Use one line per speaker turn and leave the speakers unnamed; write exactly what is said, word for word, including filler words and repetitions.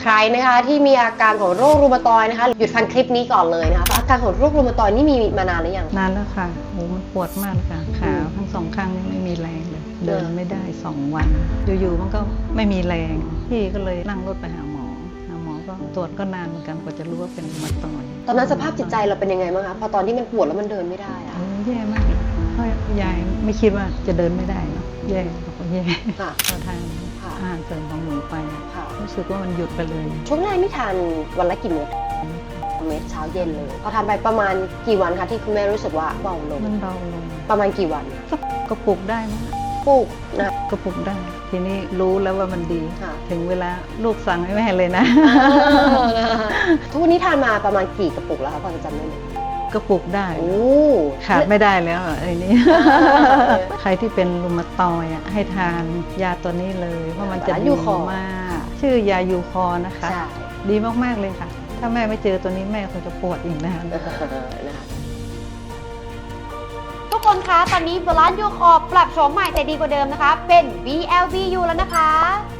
รนะคะที่มีอาการของโรครูมาตอยด์นะคะหยุดฟังคลิปนี้ก่อนเลยนะคะอาการของโรครูมาตอยด์นี่มีมานานหรือยัง
นานแล้วค่ะโหมันปวดมากค่ะขาทั้งสองข้างนี่ไม่มีแรงเลยเดินไม่ได้สองวันอยู่ๆมันก็ไม่มีแรงพี่ก็เลยนั่งรถไปหาหมอหาหมอก็ตรวจก็นานเหมือนกันกว่าจะรู้ว่าเป็นรูมาตอยด์
ตอนนั้นสภาพจิตใจเราเป็นยังไงบ้างคะพอตอนที่มันปวดแล้วมันเดินไม่ได้อะ
แย่มากเลยเพราะยายไม่คิดว่าจะเดินไม่ได้เนาะแย่ก็แย่พอทานอาหารเสริมของหนูไปรู้สึกว่ามันหยุดไปเลย
ช่วงแรกนี่ทานวันละกี่เม็ดเม็ดเช้าเย็นเลยพอทานไปประมาณกี่วันคะที่คุณแม่รู้สึกว่าเบาลง
มันเบาลง
ประมาณกี่วัน
ก็ปลุกได้นะ
ปลุกนะ
ก็ปลุกได้ทีนี้รู้แล้วว่ามันดีถึงเวลาลูกสั่งให้แม่เลยนะ
ทุกวันนี้ทานมาประมาณกี่กระปุกแล้วคะพอจะจำได้ไหม
กระปุกได้ขาดไม่ได้แล้วไอ้นี่ใครที่เป็นรูมาตอยด์ให้ทานยาตัวนี้เลยเพราะมันจะดีมากชื่อยายูคอนะคะดีมากๆเลยค่ะถ้าแม่ไม่เจอตัวนี้แม่คงจะปวดอีกนาน
ทุกคนคะตอนนี้บาลานซ์ยูคอปรับโฉมใหม่แต่ดีกว่าเดิมนะคะเป็น บี แอล บี ยู แล้วนะคะ